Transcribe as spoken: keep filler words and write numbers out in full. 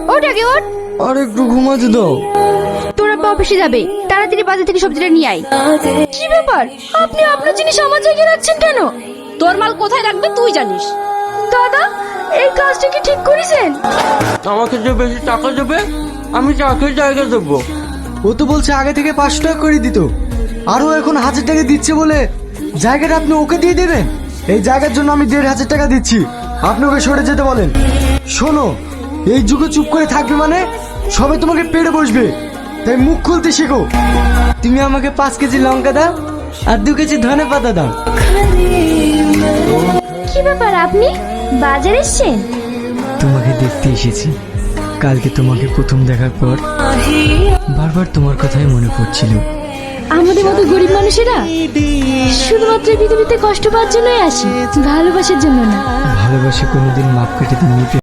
ওঠ আগে ওঠ। আর একটু ঘুমাতে দাও। তোরা অফিসে যাবে, তাড়াতাড়ি বাজার থেকে সবজিটা নিয়ে আয়। কি ব্যাপার, আপনি আপনার জিনিস আমার জায়গায় রাখছেন কেন? তোর মাল কোথায় রাখবে তুই জানিস। দাদা, এই কাজটা কি ঠিক করেছেন? আমাকে যে বেশি টাকা দেবে আমি চাকরির জায়গা দেবো। ও তো বলছে আগে থেকে পাঁচশো টাকা করে দিত, আরও এখন হাজার টাকা দিচ্ছে বলে জায়গাটা আপনি ওকে দিয়ে দেবেন। এই জায়গার জন্য আমি দেড় হাজার টাকা দিচ্ছি, আপনি ওকে সরে যেতে বলেন। শোনো, এই যুগে চুপ করে থাকবে মানে সবাই তোমাকে পেড়ে বসবে, তাই মুখ খুলতে শেখো। তুমি আমাকে পাঁচ কেজি লঙ্কা দাও আর দু কেজি ধনে পাতা দাও। কি ব্যাপার, আপনি বাজারে এসেছেন? তোমাকে দেখতে এসেছি। কালকে তোমাকে প্রথম দেখার পর বারবার তোমার কথাই মনে পড়ছিল। আমাদের মতো গরিব মানুষেরা শুধুমাত্র এই পৃথিবীতে কষ্ট পাওয়ার জন্যই আসি, ভালোবাসার জন্য না। ভালোবাসে কোনোদিন মাপ কেটে দিয়ে নিতে